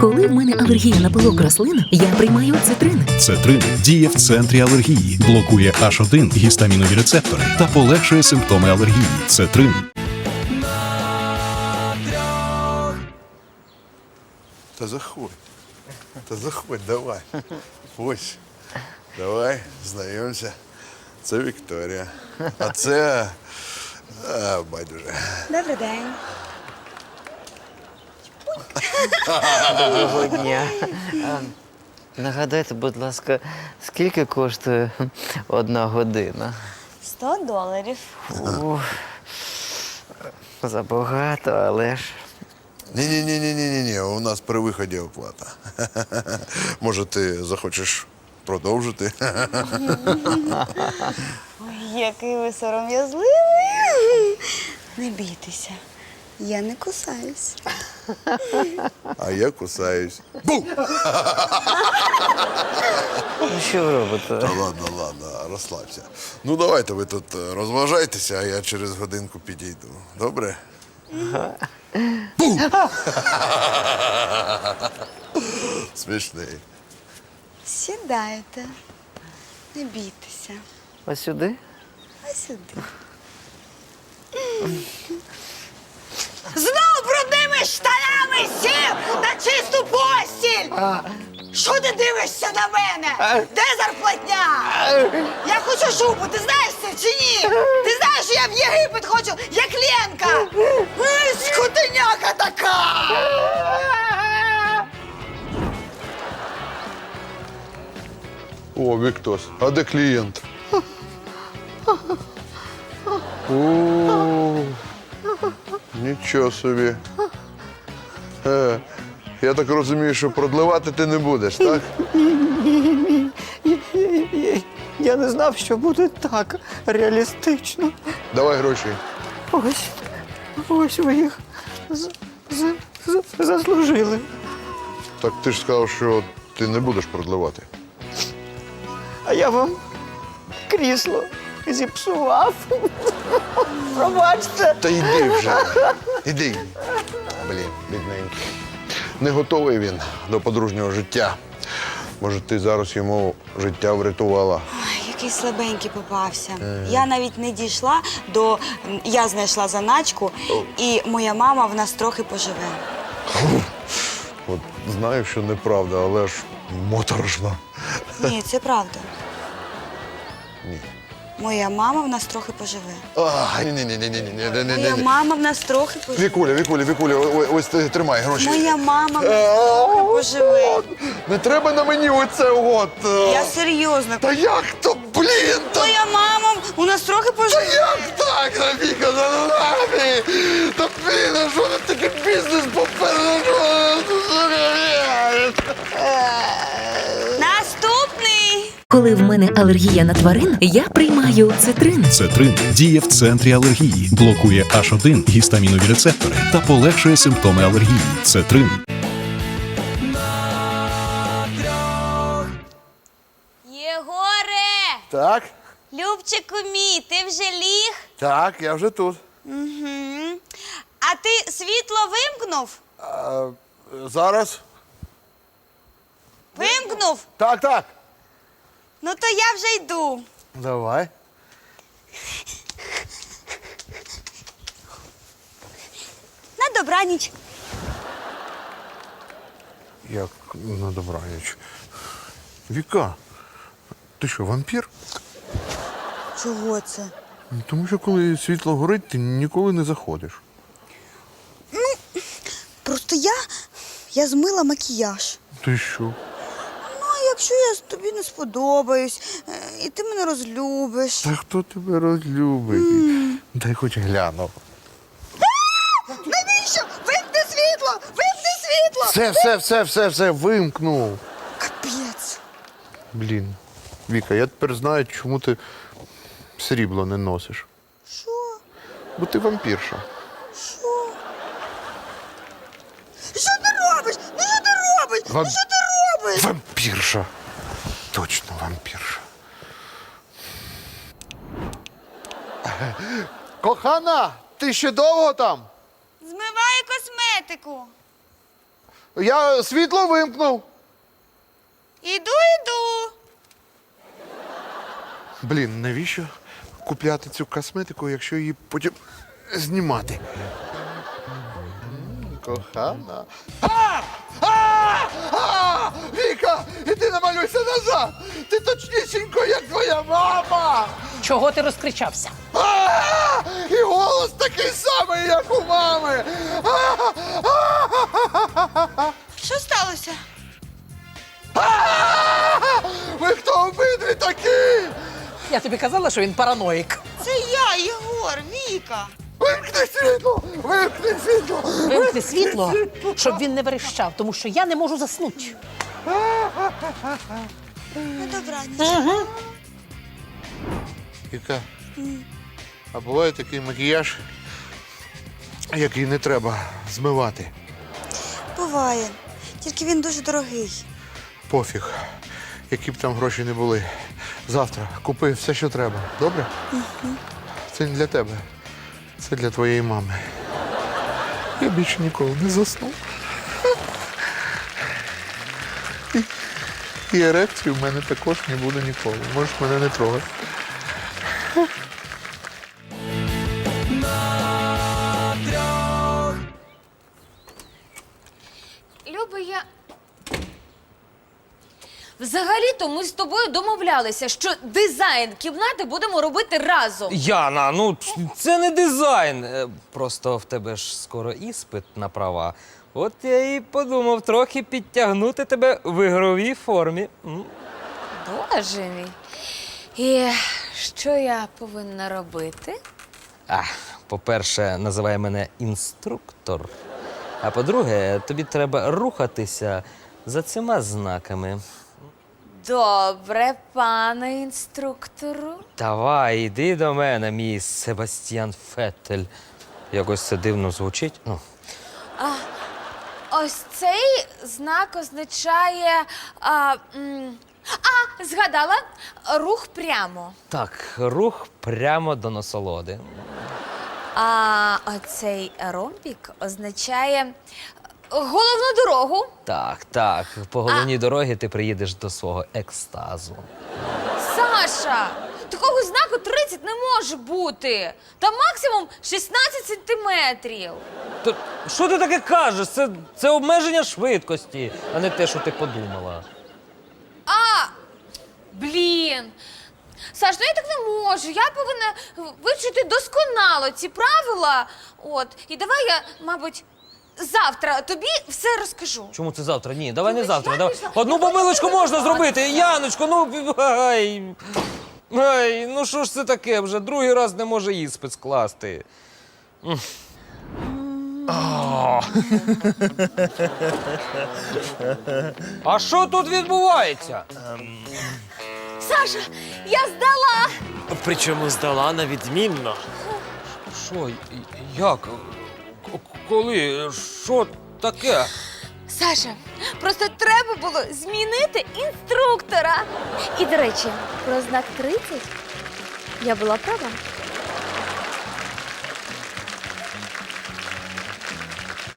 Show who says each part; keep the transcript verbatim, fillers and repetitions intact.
Speaker 1: Коли в мене алергія на пилок рослин, я приймаю цитрин.
Speaker 2: Цетрин діє в центрі алергії, блокує аш один гістамінові рецептори та полегшує симптоми алергії. Цетрин.
Speaker 3: Та заходь. Та заходь, давай. Ось. Давай, знайомся. Це Вікторія. А це... А, байдуже.
Speaker 4: Добрий день.
Speaker 5: Доброго дня. А, Нагадайте, будь ласка, скільки коштує одна година?
Speaker 4: Сто доларів.
Speaker 5: Ух, забагато, але ж.
Speaker 3: Ні-ні-ні-ні-ні-ні, у нас при виході оплата. Може, ти захочеш продовжити?
Speaker 4: Ой, який ви сором'язливий. Не бійтеся, я не кусаюсь.
Speaker 3: А я кусаюсь. Бу!
Speaker 5: Ну, що ви робите?
Speaker 3: Та ладно, ладно, розслабся. Ну, давайте ви тут е, розважайтеся, а я через годинку підійду. Добре? Бу! Смішний.
Speaker 4: Сідайте, не бійтеся.
Speaker 5: Ось сюди?
Speaker 4: А сюди. Знову брудними штанами сів на чисту постіль! Що ти дивишся на мене? Де зарплатня? Я хочу шубу, ти знаєш це чи ні? Ти знаєш, що я в Єгипет хочу, як Ленка! Ей, скотиняка така!
Speaker 3: О, Віктос, а де клієнт? О, нічого собі. Е, я так розумію, що продливати ти не будеш, так?
Speaker 5: Я не знав, що буде так реалістично.
Speaker 3: Давай гроші.
Speaker 5: Ось, ось ви їх з- з- з- заслужили.
Speaker 3: Так ти ж сказав, що ти не будеш продливати.
Speaker 5: А я вам крісло зіпсував. Пробачте.
Speaker 3: Та йди вже. Іди. Блін, бідненький. Не готовий він до подружнього життя. Може, ти зараз йому життя врятувала.
Speaker 4: Ой, який слабенький попався. Я навіть не дійшла до... Я знайшла заначку, і моя мама в нас трохи поживе.
Speaker 3: От знаю, що неправда, але ж моторошно.
Speaker 4: Ні, це правда.
Speaker 3: Ні.
Speaker 4: Моя мама в нас трохи поживе.
Speaker 3: А, ні, ні, ні, ні, ні, ні, ні, ні,
Speaker 4: Моя
Speaker 3: ні.
Speaker 4: мама в нас трохи поживе.
Speaker 3: Вікуля, Вікуля, Вікуля, ось, ось ти тримай гроші.
Speaker 4: Моя мама в нас трохи поживе.
Speaker 3: Не треба на мені оце от. е.
Speaker 4: Я серйозно.
Speaker 3: Та як то, блін, та
Speaker 4: Моя мама у нас трохи поживе.
Speaker 3: як так, Рафіка, за нами? Та блін, а що ти такий бізнес попереду?
Speaker 4: Наступний.
Speaker 1: Коли в мене алергія на тварин, я приймаю цитрин.
Speaker 2: Цетрин діє в центрі алергії, блокує аш один гістамінові рецептори та полегшує симптоми алергії. Цетрин.
Speaker 4: Єгоре!
Speaker 3: Так,
Speaker 4: Любчику мій, ти вже ліг?
Speaker 3: так, я вже тут.
Speaker 4: Угу. А ти світло вимкнув?
Speaker 3: А, зараз?
Speaker 4: Вимкнув?
Speaker 3: Так, так.
Speaker 4: Ну то я вже йду.
Speaker 3: Давай.
Speaker 4: На добраніч.
Speaker 3: Як на добраніч. Віка, ти що, вампір?
Speaker 4: Чого це?
Speaker 3: Тому що коли світло горить, ти ніколи не заходиш.
Speaker 4: Просто я, я змила макіяж.
Speaker 3: Ти що?
Speaker 4: Ну, а якщо я тобі не сподобаюсь, е, і ти мене розлюбиш.
Speaker 3: Та хто тебе розлюбить? Дай хоч гляну.
Speaker 4: Навіщо? Вимкни світло! Вимкни світло!
Speaker 3: Все, все, все, все, все, вимкнув.
Speaker 4: Капець.
Speaker 3: Блін, Віка, я тепер знаю, чому ти срібло не носиш.
Speaker 4: Що?
Speaker 3: Бо ти вампірша.
Speaker 4: Що? Що ти робиш? Ну що ти робиш?
Speaker 3: Вам-
Speaker 4: Ну що ти робиш?
Speaker 3: Вампірша. Точно вампірша. Кохана, ти ще довго там?
Speaker 4: Змиваю косметику.
Speaker 3: Я світло вимкнув.
Speaker 4: Іду, іду.
Speaker 3: Блін, навіщо купляти цю косметику, якщо її потім знімати? М, Кохана. А! А! А! Віка, іди намалюйся назад! Ти точнісінько, як твоя мама!
Speaker 6: Чого ти розкричався?
Speaker 3: А! І голос такий самий, як у мами! А! А!
Speaker 4: Що сталося?
Speaker 3: А! Ви хто обидві такі?
Speaker 6: Я тобі казала, що він параноїк.
Speaker 4: Це я, Єгор, Віка.
Speaker 3: Вимкни світло! Вимкни світло!
Speaker 6: Вимкни світло, щоб він не верещав, тому що я не можу заснути.
Speaker 4: На добраніч.
Speaker 3: Віка, а буває такий макіяж, який не треба змивати.
Speaker 4: Буває. Тільки він дуже дорогий.
Speaker 3: Пофіг, які б там гроші не були. Завтра купи все, що треба. Добре? Угу. Це не для тебе. Це для твоєї мами. Я більше ніколи не засну. І, і ерекції в мене також не буде ніколи. Можеш мене не трогати.
Speaker 7: Люба, я. Взагалі-то ми з тобою домовлялися, що дизайн кімнати будемо робити разом.
Speaker 8: Яна, ну це не дизайн. Е, Просто в тебе ж скоро іспит на права. От я і подумав трохи підтягнути тебе в ігровій формі. М.
Speaker 7: Боже мій. І що я повинна робити?
Speaker 8: А, по-перше, називай мене інструктор. А по-друге, тобі треба рухатися за цими знаками.
Speaker 7: Добре, пане інструктору.
Speaker 8: Давай, іди до мене, мій Себастьян Феттель. Якось це дивно звучить. Ну.
Speaker 7: Ось цей знак означає. А, м, а згадала, рух прямо.
Speaker 8: Так, рух прямо до насолоди.
Speaker 7: А оцей ромбік означає головну дорогу.
Speaker 8: Так, так. По головній дорогі ти приїдеш до свого екстазу.
Speaker 7: Саша, такого знаку тридцять не може бути. Там максимум шістнадцять сантиметрів.
Speaker 8: То що ти таке кажеш? Це, це обмеження швидкості, а не те, що ти подумала.
Speaker 7: А, блін. Саш, ну я так не можу. Я повинна вивчити досконало ці правила. От. І давай я, мабуть, завтра тобі все розкажу.
Speaker 8: Чому це завтра? Ні, давай не
Speaker 7: Ой,
Speaker 8: завтра.
Speaker 7: я
Speaker 8: Давай.
Speaker 7: пішла.
Speaker 8: Одну
Speaker 7: Я хочу
Speaker 8: помилочку можна
Speaker 7: подивитися.
Speaker 8: зробити. Яночко, ну ай. Ай, ну що ж це таке? Вже другий раз не може іспит скласти. М. А. А що тут відбувається?
Speaker 7: Саша, я здала!
Speaker 9: Причому здала на відмінно.
Speaker 8: Що? Як? К- Коли? Що таке?
Speaker 7: Саша, просто треба було змінити інструктора. І, до речі, про знак тридцять я була права.